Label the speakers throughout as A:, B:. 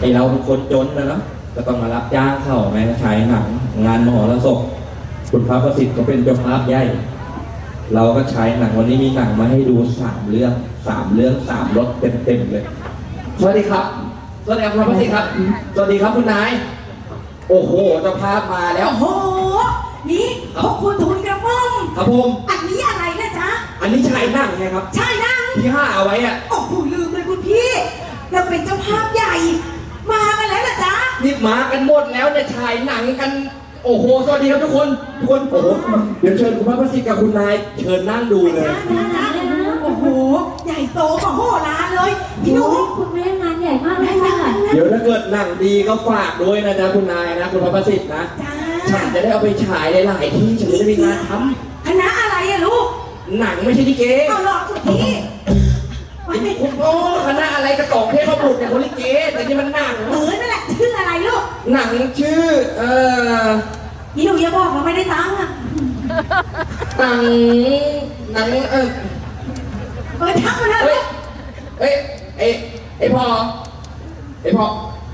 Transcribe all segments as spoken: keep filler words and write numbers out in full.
A: ไอเราเป็นคนจนนะเนาะก็ต้องมารับจ้างเข้าแม่ฉายหนังงานมหรสพคุณพระประสิทธิ์ก็เป็นเจ้าภาพใหญ่เราก็ฉายหนังวันนี้มีหนังมาให้ดูสามเรื่องสามเรื่องสามรสเต็มๆเลยสวัสดีครับสวัสดีครับคุณพระประสิทธิ์ครับสวัสดีครับคุณนายโอ้โหเจ้าภาพมาแล้ว
B: โอ้โหนี่พวกคุณทุนกระม่อม
A: ครับผม
B: อันนี้อะไรนะจ๊ะ
A: อันนี้ฉายหนังไงครับ
B: ฉายหนัง
A: ที่ห้าเอาไว้อะ
B: โอ้โหลืมเลยคุณพี่เราเป็นเจ้าภาพใหญ่มากันแล้วนะจ๊ะ
A: นี่มากันหมดแล้วเนี่ยฉายหนังกันโอ้โหสวัสดีครับทุกคนทุกคนโอ้โหเดี๋ยวเชิญคุณพระประสิทธิ์กับคุณนายเชิญนั่งดูเลย
B: โอ้โหใหญ่โตมโหฬารเลยพี่หนู
C: คุณแม่งานใหญ่มากเลยค่ะ
A: เดี๋ยวถ้าเกิดหนังดีก็ฝากด้วยนะจ๊ะคุณนายนะคุณพระประสิทธิ์นะฉันจะได้เอาไปฉายหลายๆที่ฉันจะได้มีงานท
B: ำคณะอะไรอะลูก
A: หนังไม่ใช่ลิเก
B: เอาหรอคุณพี่
A: คุณพ่อคณะอะไรกระตอกเทพบุตรเนี่ยคนลิเกแต่นี่มันหนัง
B: เออนั่นแหละชื่ออะไรลูก
A: หนังชื่อเอ่อ
B: พี่หนูอย่าบอกเราไม่ได้ตังค์อะ
A: หนังหนังเออ
B: เออทักมาเลย
A: เอ้ยเอ้ยไอ้พ่อไอ้พ่อ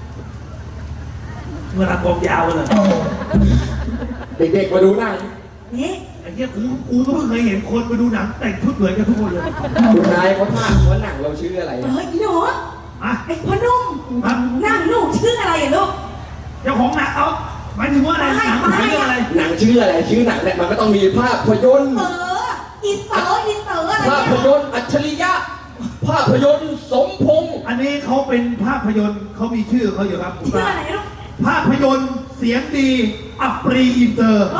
D: เมื่อรับกองยาวเลย
A: เด็กๆมาดูหนัง
B: นี่
D: ไอ้เนี้ยกูกูก็เพิ่งเคยเห็นคนมาดูหนังแต่งชุดเหมือนกันทุกคนเลย
A: คุณนายเขาถามว่าหนังเราชื่ออะไร
B: เอออีหนู
D: อะ
B: ไอ้พ่อนุ่มหนังหนูชื่ออะไรอะลูก
D: เจ้าของหนังเขาหมายถึงว่าอะไรหนังชื่ออะไร
A: หนังชื่ออะไรชื่อหนังเนี่ยมันก็ต้องมีภาพยนตร์
B: เอออินเตอร์อินเตอร์อะไร
A: ภาพยนตร์อัจฉริยะภาพยนตร์สมพงษ์
D: อันนี้เขาเป็นภาพยนตร์เขามีชื่อเขาอยู่ครับ
B: ชื่ออะไรลูก
D: ภาพยนตร์เสียงดีอัปรีอินเตอร์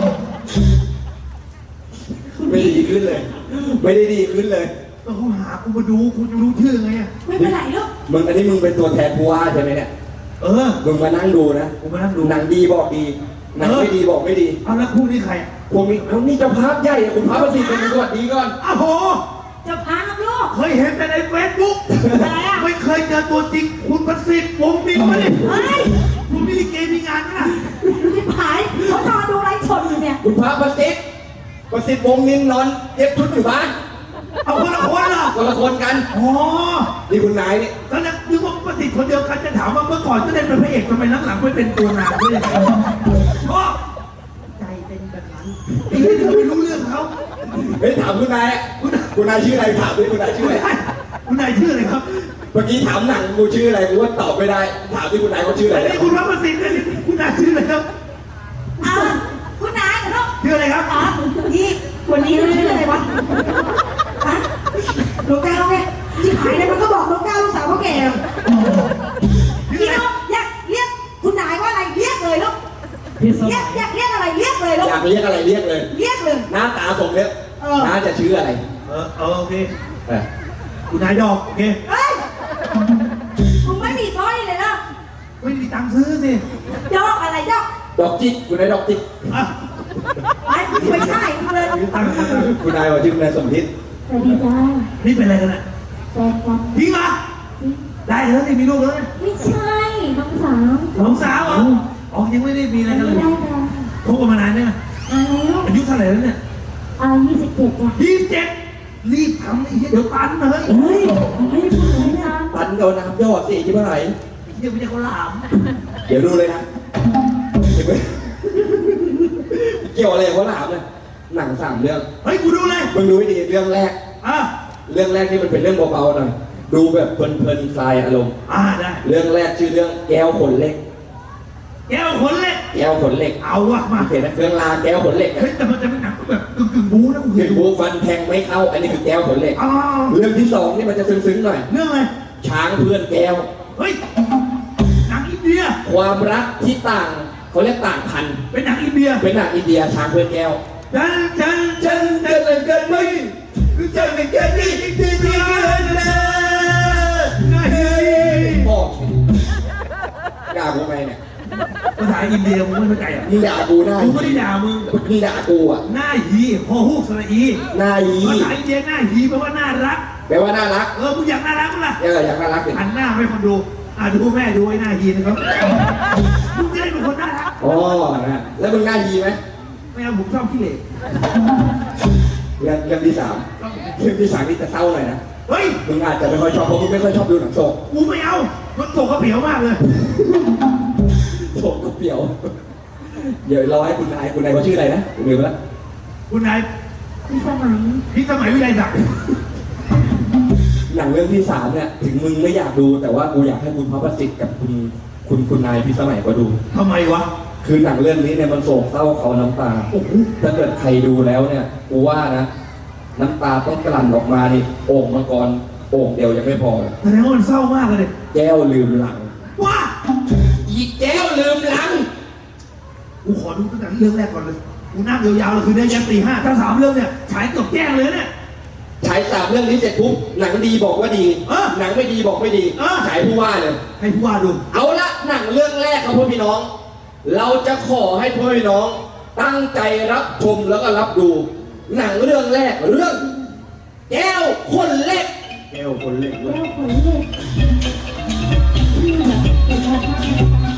A: ไม่ดีขึ้นเลยไม่ได้ดีขึ้นเลย
D: ก็เขาหากูมาดูกูจะรู้ชื่อไงอ่ะ
B: ไม่เป็นไรลูก
A: มึงอันนี้มึงเป็นตัวแทนผู้ว่าใช่ไหมเนี่ย
D: เออ
A: มึงมานั่งดูนะ
D: กูมานั่งดู
A: หนังดีบอกดีหนังไม่ดีบอกไม่ดี
D: เอาแล้วคู่นี้ใคร
A: พวกนี้เขานี่เจ้าภาพใหญ่คุณพระประสิทธิ์เป็นสวัสดีก่อน
D: อ้าวโห
B: เจ้าภาพลูก
D: เคยเห็นแต่ในเฟซบุ๊กไม่เคยเจอตัวจริงคุณประสิทธิ์วงมินมาดิ
B: เฮ้ย
D: คุณมีลิเกมีงานนะ
B: ที่ผายเขานอนดูไลฟ์สดอยู่เนี่ย
A: คุณพระประสิทธิ์ประสิทธิ์วงมินนอนเย็บชุดอยู่บ้าน
D: เอาคนละคนเหรอ
A: คนละคนกัน
D: อ๋อ
A: นี่คุณนายนี่
D: ตอนแรกนึกว่าประสิทธิ์คนเดียวกันจะถามว่าเมื่อก่อนก็ได้เป็นพระเอกทำไมหลังๆไม่เป็นตัวนางด้วยยังไงชอบใจเป็นแบบนั้นอีกนิดนึงไม่รู้เรื่องเขา
A: เฮ้ยถามคุณนายคุณนายชื่ออะไรถามด้วยคุณนายชื่ออะไร
D: คุณนายชื่ออะไรครับ
A: เมื่อกี้ถามหนังกูชื่ออะไรกูว่าตอบไม่ได้ถามที่คุณนายเขาชื่ออะไร
D: นี่คุณรับประสิทธิ์เลยคุณนายชื่ออะไรครับ
B: อ้าวคุณนายเหรอ
D: ชื่ออะไรครับ
B: อ๋อพี่วันนี้ชื่ออะไรวะฮะลูกแก้วไงที่ขายเนี่ยมันก็บอกลูกแก้วลูกสาวพ่อแก่พี่น้องอยากเรียกคุณนายว่าอะไรเรียกเลยลูกเรียกอยากเรียกอะไรเรียกเลยลูก
A: อยากเรียกอะไรเรียกเลย
B: เรียกเลย
A: หน้าตาสมเนี่ยน้าจะชื่ออะไร
D: เออเออโอเคคุณนายดอกโอเค
B: เฮ้ยคุณไม่มีสร้อยเลยนะ
D: ไม่มีตังค์ซื้อสิ
B: ดอกอะไรดอก
A: ดอกจิกคุณนายดอกจิก
B: ไม่ไม่ใช่เลย
A: คุณนายว่าชื่อคุณนายสมทิศ
C: สวัสดีจ้า
D: นี่เป็นอะไรกันอ่ะ
C: แฟนกัน
D: จริงเหรอได้แล้วนี่มีลูกแล้ว
C: ไม่ใช่น้องสาว
D: น้องสาวเหรออ๋อยังไม่ได้มีอะไรกันเลย
C: ได้ค่ะ
D: คบกันมานานเนี่ยอายุเท่าไหร่แล้วเนี่ย
C: อายุยี่สิบเจ็ดจ้ะ
D: ยี่สิบเจ็ดรีบทำไอ้เหี้ยเดี๋ยวตันเลย
C: เฮ้ยไม่ได้พูดเลยนะ
A: ตันเอาน้ำยอดสิใช่ไหม
D: เดี๋ยวไม่ใช่เขาหลาม
A: เดี๋ยวดูเลยนะเกี่ยวอะไรเขาหลามเลยหนังสามเรื่อง
D: เฮ้ยกูดูเลย
A: มึงดูให้ดีเรื่องแรก
D: อ่ะ
A: เรื่องแรกที่มันเป็นเรื่องเบาๆหน่อยดูแบบเพลินๆคลายอารมณ์
D: อ่าได้
A: เรื่องแรกชื่อเรื่องแก้วขนเหล็ก
D: แก้วขนเหล็ก
A: แก้วขนเหล็ก
D: เอาวะมา
A: เห็นนะเครื่องรางแก้วขนเหล็ก
D: เฮ้ยแต่มันจะเป็นหนังแบบกึ่งกึ่งบู๊นะ
A: กึ่งบู๊ฟันแทงไม่เข้าอันนี้คือแก้วขนเหล็กเรื่องที่สองนี่มันจะซึ้งๆหน่อย
D: เรื่องอะไร
A: ช้างเพื่อนแก้ว
D: เฮ้ยหนังอินเดีย
A: ความรักที่ต่างเขาเรียกต่างพัน
D: เป็นหนังอินเดีย
A: เป็นหนังอินเดียช้างเพื่อนแก้ว
D: จันจันจันจันจันจันไม่คือจันเป็นแค่นี้ที่ที่กันนะ
A: พ่อกล้ากูไหมเนี่ย
D: ภาษาอินเดียมึงไม่เข้าใจอ่ะ
A: มึงด่ากูหน้า
D: กูไม่ได้ด่ามึง
A: มึงด่ากูอ่ะ
D: หน้าหีพอฮูกสระอี
A: หน้าหี
D: ภาษาอินเดียหน้าหีแปลว่าน่ารัก
A: แปลว่าน่ารัก
D: เออมึงอยากน่ารักมั้ยล่ะ
A: เอออยากน่ารัก
D: หันหน้าให้คนดูอ่ะดูแม่ดูไอ้หน้าหีนะครับมึงจะได้เป็นคนน่ารัก
A: อ๋อนะแล้วมึงหน้าหีไหม
D: ไม่เอาผมชอบขี้เหร่
A: เรื่องเรื่องที่สามเรื่องที่สามนี่จะเศร้าหน่อยนะ
D: เฮ้ย
A: มึงอาจจะไม่ค่อยชอบเพราะมึงไม่ค่อยชอบดูหนังโศก
D: กูไม่เอารถโศกกระเปียวมากเลย
A: โศกก็เปรียว เดี๋ยวรอให้คุณนายคุณนายเขาชื่ออะไรนะลืมไปแล้ว
D: คุณนาย
C: มีสมัย
D: พี่สมัยวิไลศักดิ์
A: หนังเรื่องที่สามเนี่ยถึงมึงไม่อยากดูแต่ว่ากูอยากให้คุณพระประสิทธิ์กับคุณคุณคุณนายพิสมัยก็ดู
D: ทำไมวะ
A: คือหนังเรื่องนี้เนี่ยมันโศกเศร้าเขาน้ำตาโอ้โหถ้าเกิดใครดูแล้วเนี่ยกูว่านะน้ำตาต้องกลั่นออกมานี่โอ่งมังกรโอ่งเดียวยังไม่พอ
D: แสดงว่ามันเศร้ามากเลย
A: แก้วลืมหลัง
D: ว้า
A: อีแก้วลืมหลัง
D: กูขอดูตั้งแต่เรื่องแรกก่อนเลย กูนั่งยาวๆเลยคือได้ยันตีห้าถ้าสามเรื่องเนี่ยฉายเกือบแจ้งเลยเนี่ย
A: ฉายสามเรื่องนี้เสร็จปุ๊บหนังดีบอกว่าดี
D: เออ
A: หนังไม่ดีบอกไม่ดี
D: เออ
A: ฉายผู้ว่าเลย
D: ให้ผู้ว่าดู
A: เอาละหนังเรื่องแรกครับพ่อพี่น้อง เราจะขอให้พ่อพี่น้อง ตั้งใจรับชมแล้วก็รับดู หนังเรื่องแรกเรื่อง แก้วคนเล็ก แก้วคนเล็ก
C: แก้วขนเหล็กที่แบบเป็นพระธาตุ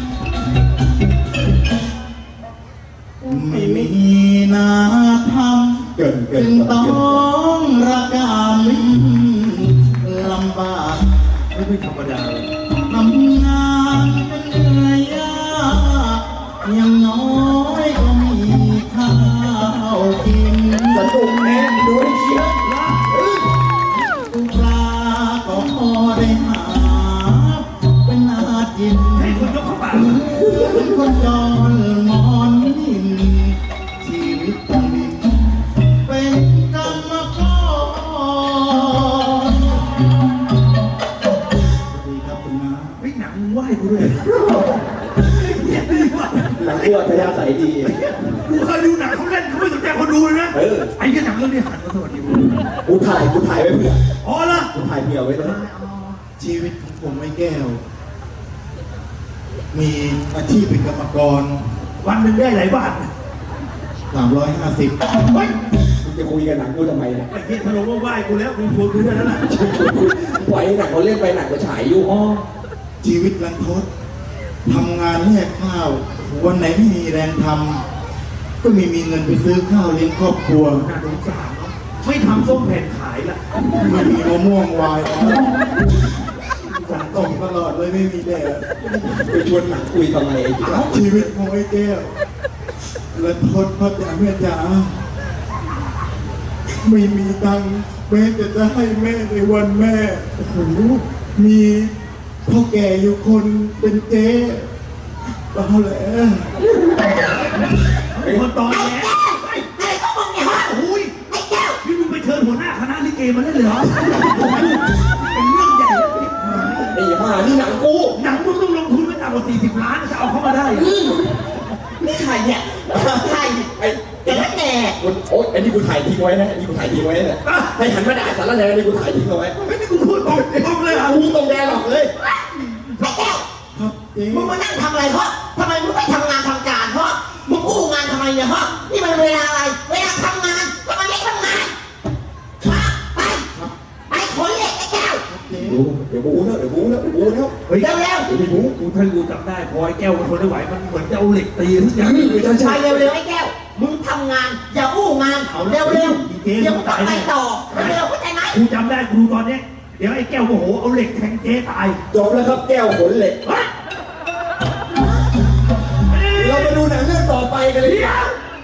E: ไม่มีนาท
A: เกิน
E: ำ
A: เกิ
E: จึ
A: น
E: งต้องระกำลำบาก
D: ไม่เป็นธรรมดาเลย
E: ทำงานกันเหนื่อยยากอย่างน้อยก็มีข้าวกิน
A: สนุกแน่ดูให้เชียร์
E: ปลาก็พอได้หาเป็นอาจิน
D: ให้คนยกเข้าปาก
E: เป็นคนจรมอนนินชีวิตต้องดินเป็นกรรมกรสวัสดีครับคุณน้า
D: เฮ้ยหนังมึงไหว้กูด้วยเนี่ยดีว่ะ
A: หนังกูอัธยาศัยดี
D: กูเคยดูหนังเขาเล่นเขาไม่สนใจคนดูเลยนะ
A: เออ
D: ไอ้เนี่ยหนังเรื่องนี้หันมาสวัสดีกู
A: กูถ่ายกูถ่ายไว้เผื่อ
D: อ๋อเหรอ
A: กูถ่ายเผื่อไว้เลย
E: ชีวิตของผมไม่แก้ว มีอาชีพเป็นกรรมกร
D: วันหนึ่งได้หลายบาท
E: สามร้อยห้าสิบ
D: เฮ้ย
A: มึงจะคุยกับหนังกูทำไมเนี่ย
D: ไอ้เหี้ยทะลุว่าไหว้กูแล้วกูชวนกูด้วยแล้วล่ะ
A: ปล่อยให้หนังเขาเล่นไปหนังก็ฉายอยู่อ๋อ
E: ชีวิตรันทดทำงานแลกข้าว วันไหนไม่มีแรงทำก็ไม่มีเงินไปซื้อข้าวเลี้ยงครอบครัว
D: น่าสงสารเนาะไม่ทำส้มแผ่นขายละ
E: ไม่มีมะม่วงวายฝนตกตลอดเลยไม่มีแดด
A: ไปชวนหนังคุยทำไมไอ้เหี้ย
E: ชีวิตของไอ้แก้วรันทดพ่อจ๋าแม่จ๋าไม่มีตังค์แม้จะจะให้แม่ในวันแม่โอ้โหมีพ่อแก่อยู่คนเป็นเจ๊เอาแหละ
D: เป็นคนตอนแย่
B: อะไรก็มึงเนี่ยฮะ
D: โอ้ย
B: ไอ้แก้ว
D: นี่มึงไปเชิญหัวหน้าคณะลิเกมาได้เลยเหรอเป็นเรื่องใหญ่แล้วเนี่ย
A: ไอ้ห่านี่หนังกู
D: หนังมึงต้องลงทุนไปต่ำกว่าสี่สิบล้านจะเอาเข้ามาได้เหรอ
B: นี่ใครเนี่ยใคร
A: ไอ้
B: แต่ละแหน่
A: กูโอ๊ยอันนี้กูถ่ายทิ้งไว้นะอันนี้กูถ่ายทิ้งไว้เนี่ยให้หันมาด่าสารแหน่อันนี้กูถ่ายทิ้งเอาไว้
D: ไม่ได้กูพูดตรงตรงเลยเหรอ
A: กูตรงแดนหรอกเลย
B: ไอ้แก้ว
E: ครับเจ๊
B: มึงมานั่งทำอะไรเพราะทำไมมึงไม่ทำงานทำการเพราะมึงอู้งานทำไมเนี่ยเพราะนี่มันเวลาอะไร เวลาทำงานทำไมไม่ทำงานมาไปไปขนเหล็กไอ้แก้ว
E: เจ๊
A: ดูเดี๋ยวกูแล้วเดี๋ยวกูแล้วเดี๋ยวกูแล้ว
D: เฮ้ย
B: เร็วเร็ว
A: เดี๋ยวไม่รู้
D: กูถ้ากูจำได้พอไอ้แก้วมันทนไม่ไหวมันเหมือนจะเอาเหล็กตีทุกอย่าง
A: ไม่ใช่
B: ไป
A: ใช่
B: เร็วเร็วไอ้แก้วมึงทำงานอย่าอู้งานเร็วเร็วเดี๋ยวมึงต้องไปต่อเร็วเข้าใจไหม
D: กูจำได้กูดูตอนเนี้ยเดี๋ยวไอ้แก้วโมโหเอาเหล็กแทงเจ๊ตาย
A: จบแล้วครับแก้วขนเหล็ก
D: เฮ้ย
A: เรามาดูหนังเรื่องต่อไปกันเลย
D: เดี๋ยว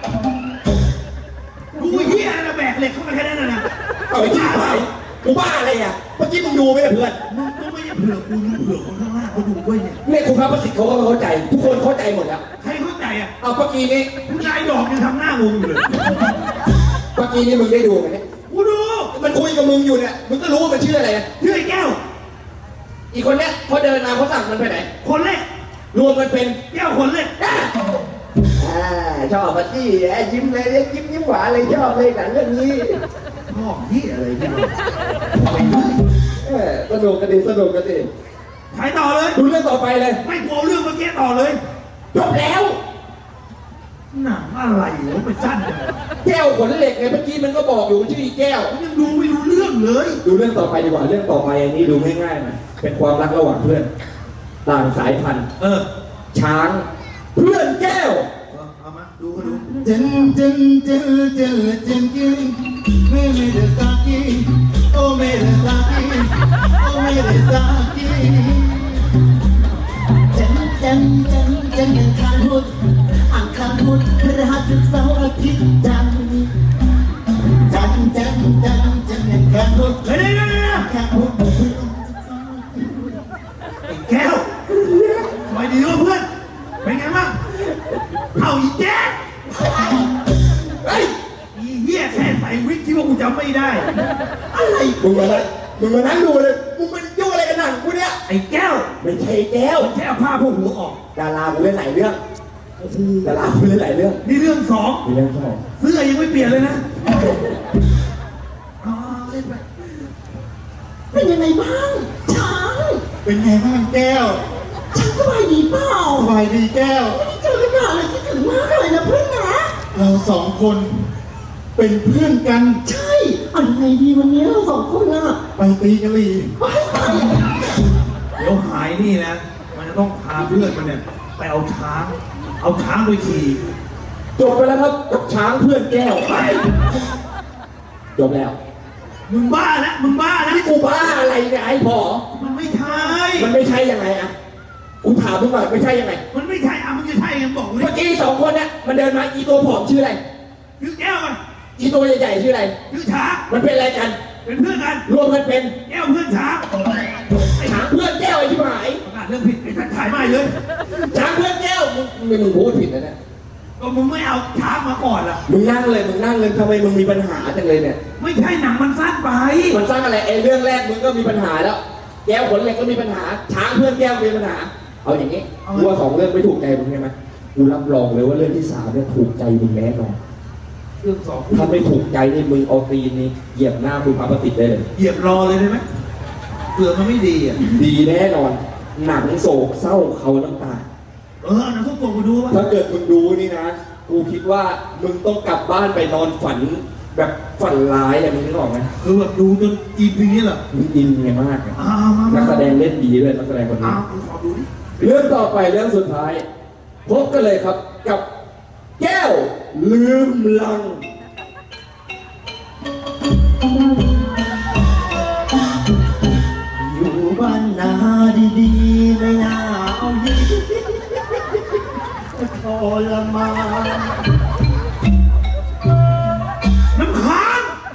D: กูเฮียอะไรแบกเหล็กเข้ามาแค่นั้นนะ
A: เอาไปที่ไหนกูบ้าอะไรอ่ะเมื่อกี้มึงดูไหมเพื่อน
D: มึงก็ไม่ใช่เผื่อกูเผื่อคนข้างล่างเขาดูด้วยเนี่ย
A: เนี่ยคุณพระประสิทธิ์เขาก็เข้าใจ ทุกคนเข้าใจหมดแล้ว
D: ใครเข้าใจอ่ะ
A: เอาเมื่อกี้นี้
D: คุณนายดอกยังทำหน้างงอยู่เลย
A: เมื่อกี้นี้มึงได้ดูไหมเนี่ย
D: กูดู
A: มันคุยกับมึงอยู่เนี่ยมึงก็รู้ว่ามันชื่ออะไรนะ
D: ชื่อไอ้แก้ว
A: อีกคนเนี้ยพอเดินมาเขาสั่งมันไปไหน
D: คนเล็ก
A: รวมกันเป็น
D: แก้วคนเล็ก
A: อ่าชอบมาที่แอบยิ้มเลยยิ้มยิ้มหวานเลยชอบเลยหนังเรื่องนี้
D: พ่อที่อะไรเนี่ย
A: เออสนุกกันดีสนุกกันดี
D: ถ่ายต่อเลย
A: ดูเรื่องต่อไปเลย
D: ไม่กลัวเรื่องเมื่อกี้ต่อเลย
A: จบแล้ว
D: หนังอะไรวะมันสั้นจังวะ
A: แก้วขนเหล็กไงเมื่อกี้มันก็บอกอยู่ว่าชื่ออีแก้ว
D: ผมยังดูไม่รู้เรื่องเลย
A: ดูเรื่องต่อไปดีกว่าเรื่องต่อไปอันนี้ดูง่ายๆหน่อยเป็นความรักระหว่างเพื่อน ต่างสายพันธุ์
D: เออ
A: ช้างเพื่อนแก้ว
D: เอามาดูก็ดู
E: เจนเจนเจนเจนเจนกินไม่ไม่ได้สักทีโอ้ मेरे साथी ओ मेरे साथी
C: จันจันจันจันอังคารพุธอังคารพุธพฤหัสเสาร์อาทิตย์จันทร์จันจันจันจันอังคารพุธ
D: เฮ้ยเดี๋ยวเดี๋ยวเดี๋ยว
C: อังคารพุธ
D: ไอ้แก้วสบายดีวะเพื่อน เป็นไงบ้างเอาอีแจ๊คเฮ้ยอีเหี้ยแค่ใส่วิกที่ว่ากูจำไม่ได้
E: อะไรมึงมานั่งมึงมานั่งดูเลยมึงเป็นยุ่งอะไรกันหนังกูเนี่ย
D: ไอ้แก้ว
E: ไม่ใช่แก้ว
D: แค่เอาผ้าพวกหัวออก
E: ดารากูเล่นหลายเรื่องดารากูเล่นหลายเรื่อง
D: นี่เรื่องสอง
E: มีเรื่องสอง
D: เสื้อยังไม่เปลี่ยนเลยนะอ๋อเล่นไป
C: เป็นยังไงบ้างช้าง
E: เป็นไงบ้างแก้ว
C: ช้างสบายดีเปล่า
E: สบายดีแก้ว
C: ไม่เจอกันนานเลยคิดถึงมากเลยนะเพื่อนนะ
E: เราสองคนเป็นเพื่อนกัน
C: ใช่เอายังไงดีวันนี้เราสองคนน่ะ
E: ไปตีกะหรี่
C: ไปไป
D: เดี๋ยวหายนี่นะ มันจะต้องพาเพื่อนมันเนี่ยไปเอาช้าง เอาช้างไปขี่
A: จบไปแล้วครับกับช้างเพื่อนแก้วไปจบแล้ว
D: มึงบ้าแล้วมึงบ้าแล้ว
A: นี่กูบ้าอะไรเนี่ยไอ้พอ
D: มันไม่ใช่
A: มันไม่ใช่ยังไงอะกูถามมึงก่อนไม่ใช่ยังไง
D: มันไม่ใช่อ่ะมึงจะใช่กันบอกกูดิ
A: เมื่อกี้สองคนเนี่ยมันเดินมาอีตัวผอมชื่ออะไร
D: คือแก้วมัน
A: อีตัวใหญ่ๆชื่ออะไร
D: คือช้าง
A: มันเป็นอะไรกัน
D: เป็นเพื่อนกัน
A: รวมกันเป็น
D: แก้วเพื่อนช้าง
A: ช้างเพื่อนแก้วไอ้ที่หาย
D: ประกาศเรื่องผิดไอ้ท่านถ่ายไม่เลย
A: ช้างเพื่อนแก้วมึงมึงมึงพูดผิดนะเนี่ย
D: ก็มึงไม่เอาช้างมาก่อนล่ะ
A: มึงนั่งเลยมึงนั่งเลยทำไมมึงมีปัญหาจังเลยเนี่ย
D: ไม่ใช่หนังมันสั้นไป
A: มันสร้างอะไรไอ้เรื่องแรกมึงก็มีปัญหาแล้ว แก้วขนเหล็กก็มีปัญหา ช้างเพื่อนแก้วมีปัญหา เอาอย่างนี้กูว่าสองเรื่องไม่ถูกใจมึงใช่ไหมกูรับรองเลยว่าเรื่องที่สามเนี่ยถูกใจมึงแน่นอน
D: เรื่องสอง
A: ถ้าไม่ถูกใจนี่มึงเอาตีนนี่เหยียบหน้าคุณพระประสิทธิ์ได้เลย
D: เหยียบรอเลยได้ไหมเผื่อมันไม่ดีอ่ะ
A: ดีแน่นอน หนังโศกเศร้าเขาน้ำตา
D: เออหนังทุกตัวกูดูว่า
A: ถ้าเกิดมึงดูนี่นะ กูคิดว่ามึงต้องกลับบ้านไปนอนฝันแบบฝันร้ายอะมึงนึกออกไหม
D: คือแบบดูจนอีพีนี้แหละ
A: มึงอินไงมากอะ
D: อ้าวมา
A: นั
D: มาก
A: แสดงเล่นดีด้วยนักแสดงคนนี้
D: อ้าวกูขอดูดิ
A: เรื่องต่อไปเรื่องสุดท้าย พบกันเลยครับกับแก้วลืมลัง
C: อยู่บ้านนาดีๆไม่น่าเอาดีทรมาน
D: น้ำค้าง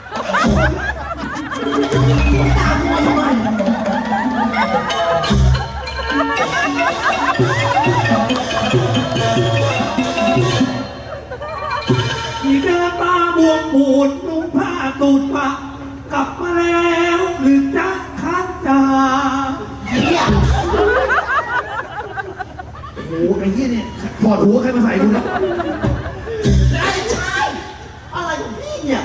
C: ตามมาทำไม
D: อีเดินตาบวมปูดนุ่งผ้าตูดปะกลับมาแล้วหรือจะค้างจาโอ้โหไอ้เหี้ยเนี่ยถอดหัวใครมาใส่กูเนี่ย
C: ไอ้ชายอะไรของพี่เนี่ย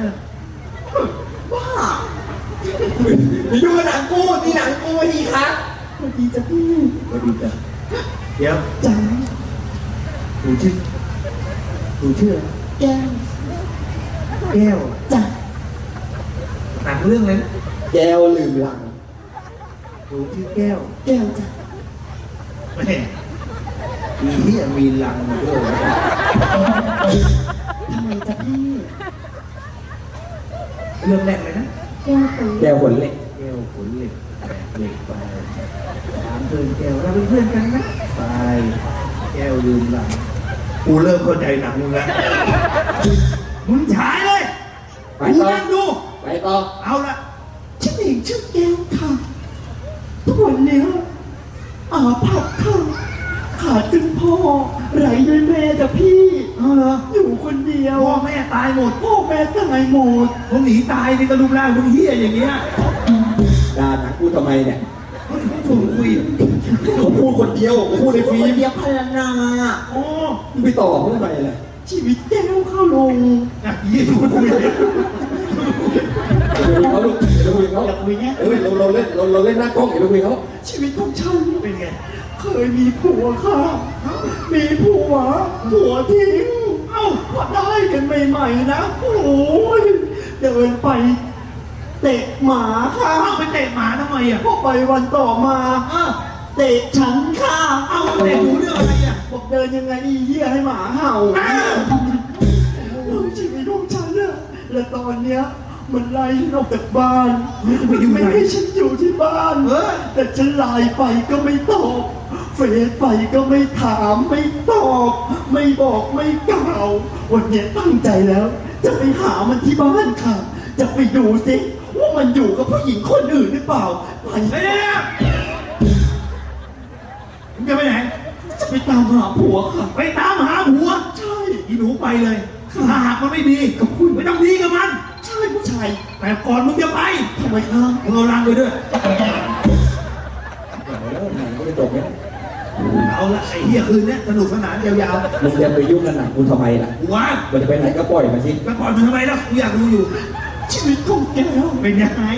C: บ้า
A: นี่ดูหนังกูนี่หนังกูนี่ครับ
C: สวัสดีจ้ะพี่
D: สวัสดีจ้ะเดี๋ยว
C: จัง
D: หนูชื่อหนูชื่ออะไร
C: แก้ว
D: แก้ว
C: จ้ะ
D: หนังเรื่องอะไรนะ
A: แก้วลืมลัง
D: หนูชื่อแก้ว
C: แก้วจ้ะ
D: แม่อีเหี้ยมีลังมาด้วยวะ
C: ทำไมจ้ะพี่
D: เรื่องแรกเลยนะ
C: แก้วตัว
A: แก้วขนเหล็ก
D: แก้วขนเหล็กแบกเหล็กไปถามเพื่อนแก้วเราเป็นเพื่อนกันนะไปแก้วลืมหลังกูเริ่มเข้าใจหนังมึงแล้วมึงฉายเลย
A: ไป
D: กู
A: ต่อ
D: นั่งดู
A: ไปต่อ
D: เอาละ
C: ฉันเองชื่อแก้วค่ะ ทุกวันเนี้ยอาภัพค่ะขาดซึ่งพ่อไร้ด้วยแม่จ้ะพี่
D: เอาเหรอ
C: อยู่คนเดียว
D: พ่อแม่ตายหมด
C: พ่อแม่ตายหมด
D: มึงหนีตายนี่ก็รูปร่างมึงเหี้ยอย่างเงี้ย
A: ด่าหนังกูทำไมเนี่ย
D: เขาถึงชวนคุย
A: เขาพูดคนเดียวเขาพูดในฟิล์ม
C: เดียวพลนา
D: โอ้
A: มึงไปต่อเขาทำไมล่ะ
C: ชีวิตแก้วเข้าลง
D: ยเหี้ยชวนคุยเลย
A: เดี๋ยวเขาลูกเดี๋ยวคุยเขา
C: อยากคุยเนี้ย
A: เอ้ยเราเราเล่นเราเราเล่นหน้ากล้องเดี๋ยวคุยเขา
C: ชีวิตของฉัน
D: เป็นไง
C: เคยมีผัวค่ะ มีผัว ผัวทิ้ง เอ้าพอได้กันใหม่ๆนะ โอ้ยเดินไป เตะหมาค่ะ
D: เอาไปเตะหมาทำไมอ่ะ
C: พอไปวันต่อมา
D: เออ
C: เตะฉันค่ะ
D: เอาเตะหูเรื่องอะไรอ่ะ
C: บอกเดินยังไงอีเหี้ยให้หมาเห่า
D: อ้าว
C: เออชีวิตของฉันอะและตอนเนี้ยมันไล่ฉันออกจากบ้าน
D: ไปอยู่ไหน
C: ไม่ให้ฉันอยู่ที่บ้าน
D: เออ
C: แต่ฉันไลน์ไปก็ไม่ตอบเฟซไปก็ไม่ถามไม่ตอบ ไม่บอกไม่กล่าว วันนี้ตั้งใจแล้ว จะไปหามันที่บ้านค่ะ จะไปดูสิว่ามันอยู่กับผู้หญิงคนอื่นหรือเปล่าไป
D: เฮ้ยมึงจะไปไหน
C: จะไปตามหาผัวค่ะ
D: ไปตามหาผัว
C: ใช่
D: อีหนูไปเลยถ้าหากมันไม่ดีกับคุณไม่ต้องดีกับมัน
C: ใช่ผู้ชาย
D: แต่ก่อนมึงจะไป
C: ทำไมครับ
D: มึงเอาลังไปด้วย
A: เดี๋ยวหนังก็จะจบเนี่ย
D: เอาละไอ้เหี้ยคืนเนี้ยสนุกสนานยาว
A: มึงจะไปยุ่งกับหนังกูทำไมล่ะ
D: ๆกูว่า
A: มันจะไปไหนก็ปล่อยมาสิ
D: ไปก่อนมันทำไมล่ะกูอยากดูอยู่
C: ชีวิตของแก้ว
D: เป็นยังไง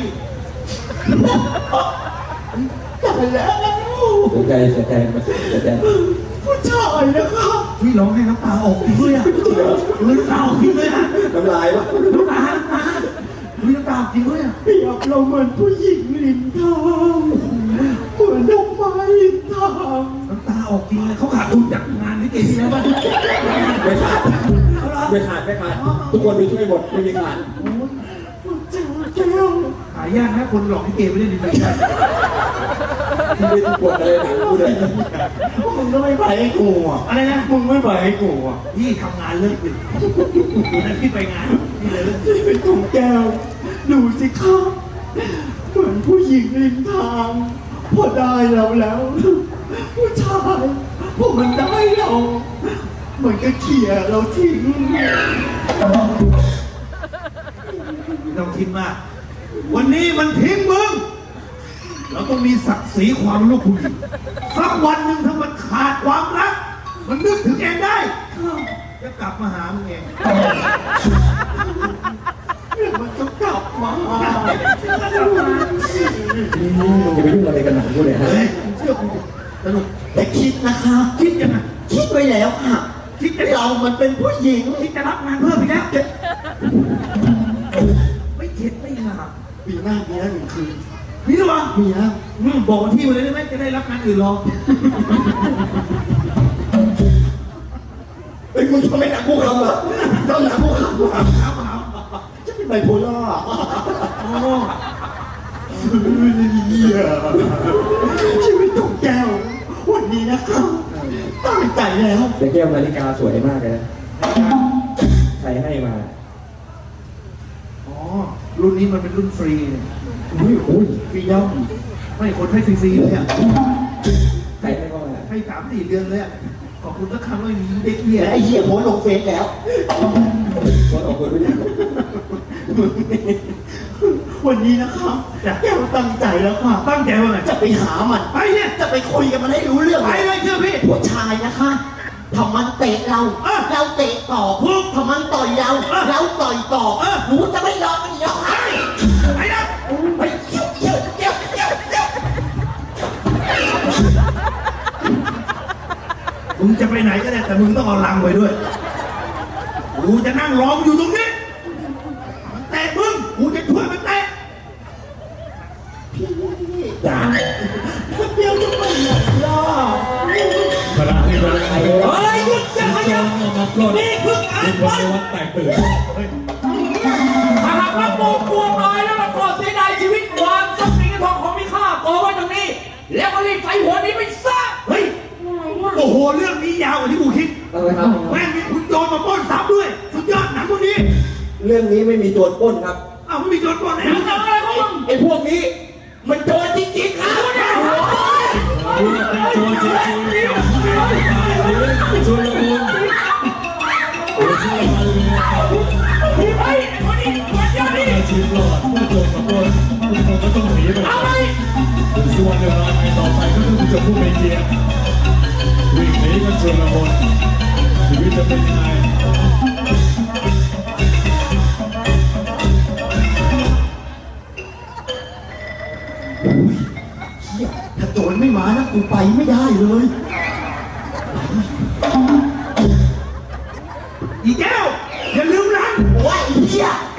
C: ตายแล้ว
A: เสียใจเสียใจเสียใจ
C: ผู้ชายนะครับ
D: พี่ร้องให้น้ำตาออกจริงด้วยอ่ะน้ำตาออกจริงด้วยอ่ะ
A: น้ำลายวะ
D: น้ำตาน้ำตาพี่น้ำตาออกจริงด้วยอ่ะ
C: เปรียบเราเหมือนผู้หญิงริมทางเหมือนดอกไม้ริมทาง
D: น้ำตาออกจริงเลยเขาขาดทุนจากงานนี้เก่งที่แล้วป่ะ
A: ไม่ขาดไม่ขาดไม่ขาดทุกคนดูช่วยหมดไม่มีขาด
C: ผู้ชายแก้ว
D: หายากนะคนหลอกให้เกย์ไม่ได้ดีเลย
A: ที่ไม่ทุกคนเลยหนังกูเลย
C: มึงก็ไม่ไปให้กูอ่ะ
D: อะไรนะ
C: มึงไม่ไปให้กูอ่ะ
D: พี่ทำงานเลิกดึกวันนั้นพี่ไปงานพี่เลยเลิกดึก
C: ชีวิตของแก้วดูสิครับเหมือนผู้หญิงริมทางพอได้เราแล้ว ผู้ชายพอมันได้เรามันก็เขี่ยเราทิ้ง
D: ไม่ต้องคิดมาก วันนี้มันทิ้งมึง เราต้องมีศักดิ์ศรีความลูกผู้หญิงสักวันหนึ่งถ้ามันขาดความรัก มันนึกถึงเองได้ จะกลับมาหามึงเอง
C: เดี๋ยวมันจะกลับมา
A: มึงจะไปยุ่งอะไรกับหนังกูเลยฮะ
D: เฮ้ยเชื่อกูสนุก
C: แต่คิดนะคะ
D: คิดยังไง
C: คิดไว้แล้วค่ะ
D: คิดจะ
C: เรามันเป็นผู้หญิง
D: คิดจะรับงานเพิ่มอีกแล้วไม่เข็ดไม่หลาบ
C: ปีหน้ามีแล้วหนึ่งคืน
D: มีหรือเปล่า
C: มีแล้ว
D: อืมบอกวันที่มาเลยได้ไหมจะได้รับงานอื่นรอ
C: เอ้ยมึงทำไมหนักกูขำเหรอทำหนักกูขำเหรอ
D: ถามถาม
C: จะเป็นไบโพล่า
D: โอ้
C: เหี้ยชีวิตของแก้ววันนี้นะครับตั้งใจแล้ว
A: แต่แก้วนาฬิกาสวยมากเลยนะใครให้มา
D: อ๋อรุ่นนี้มันเป็นรุ่นฟรีเนี่ย
A: อุ้ยอุ้ย
C: ฟรีย่อม
D: ไม่คนให้ฟรีๆเลยอ่ะ
A: ใครให้เข้ามา
D: ให้สามสี่เดือนเลยอ่ะขอบคุณสักคำว่าเด็กเหี้ย
C: แต่ไอ้เหี้ยโพสต์ลงเฟซแล้ว
A: คนออกคนรู้จัก
C: วันนี้นะครับแก้วตั้งใจแล้วค่ะ
D: ตั้งใจว่าไง
C: จะไปหามัน
D: ไปเนี่ย
C: จะไปคุยกับมันให้รู้เรื่อง
D: ไปเลยเชื่อพี่
C: ผู้ชายนะคะถ้ามันเตะเรา
D: เออ
C: เราเตะตอบ
D: ถูก
C: ถ้ามันต่อยเรา
D: เออ
C: เราต่อยตอบ
D: เออ
C: หนูจะไม่ยอมมันอีกแล้วค่ะ
D: ไปนะ
C: ไปเที่ยวเที่ยวเที่ยวเที่ยวเที่ยว
D: มึงจะไปไหนก็ได้แต่มึงต้องเอาลังไว้ด้วยกูจะนั่งรออยู่ตรงนี้มันเตะมึงกูจะช่วยมันเตะ
C: พี่
A: จ้า
C: เที่ยวจะไปไหนล่ะ
F: ขณะที่กำลัง
A: ไอ้เฮ้ย
D: เฮ้ยหยุดอย่าขยับ
F: มาปล้น
D: นี่คือการ
F: ทุก
D: ป
F: คน
D: ล้น
F: ในวัดแตกตื่น
G: ถ้าหากว่าโกงกลัวตายแล้วเราก็เสียดายชีวิตวางทรัพย์สินเงินทองของมีค่าโกไว้ตรงนี้ แล้วก็รีบใส่หัวนี้ไปซะ
D: เฮ้ยโอ้โหเรื่องนี้ยาวกว่าที่กูคิด
A: เอาเลยครับ
D: แม่งมีคุณโจรมาปล้นซ้ำด้วย สุดยอดหนังพวกนี้
A: เรื่องนี้ไม่มีโจรปล้นครับ
D: อ้าวไม่มีโจรปล้นไหน
G: มึงจะอะไรของมึง
A: ไอ้พวกนี้ มันโจรจริงๆครับ
F: โจรจริงๆชวนละมุนโอ้ชวนละมุน
G: ไอ้คนนี้คนเดียวนี่
F: อาชีพหลอดผู้โจรมาปล้นทุกคนก็ต้องหนีไป
G: เอาไป
F: ถึงส่วนเวลาในต่อไปก็ต้องจะผู้ไม่เกียรวิ่งหนีกันชวนละมุนชีวิตจะเป็นยังไง
C: เหี้ยถ้าโจรไม่มานะกูไปไม่ได้เลย
D: อีแก้ว อย่าลืมรัน
C: โอ้ยไอ้เหี้ย